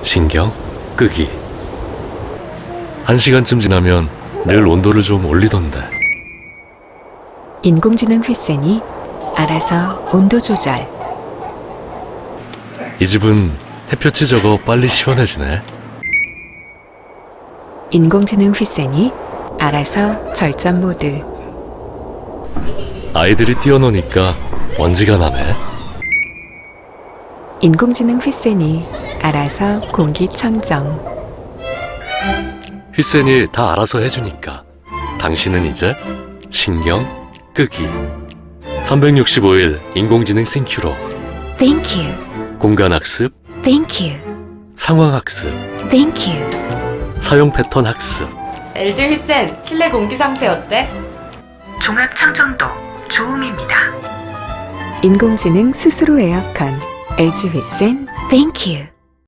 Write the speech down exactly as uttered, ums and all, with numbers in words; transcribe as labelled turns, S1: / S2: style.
S1: 신경 끄기. 한 시간쯤 지나면 늘 온도를 좀 올리던데.
S2: 인공지능 휘센이 알아서 온도 조절.
S1: 이 집은 햇볕이 적어 빨리 시원해지네.
S2: 인공지능 휘센이 알아서 절전 모드.
S1: 아이들이 뛰어노니까 먼지가 나네.
S2: 인공지능 휘센이 알아서 공기청정.
S1: 휘센이 다 알아서 해주니까 당신은 이제 신경 끄기. 삼백육십오 일 인공지능 싱큐로
S2: Thank you.
S1: 공간학습,
S2: Thank you.
S1: 상황학습,
S2: Thank you.
S1: 사용 패턴 학습.
S3: 엘지 휘센 실내 공기 상태 어때?
S2: 종합 청정도 좋음입니다. 인공지능 스스로 에어컨 엘지 휘센 Thank you.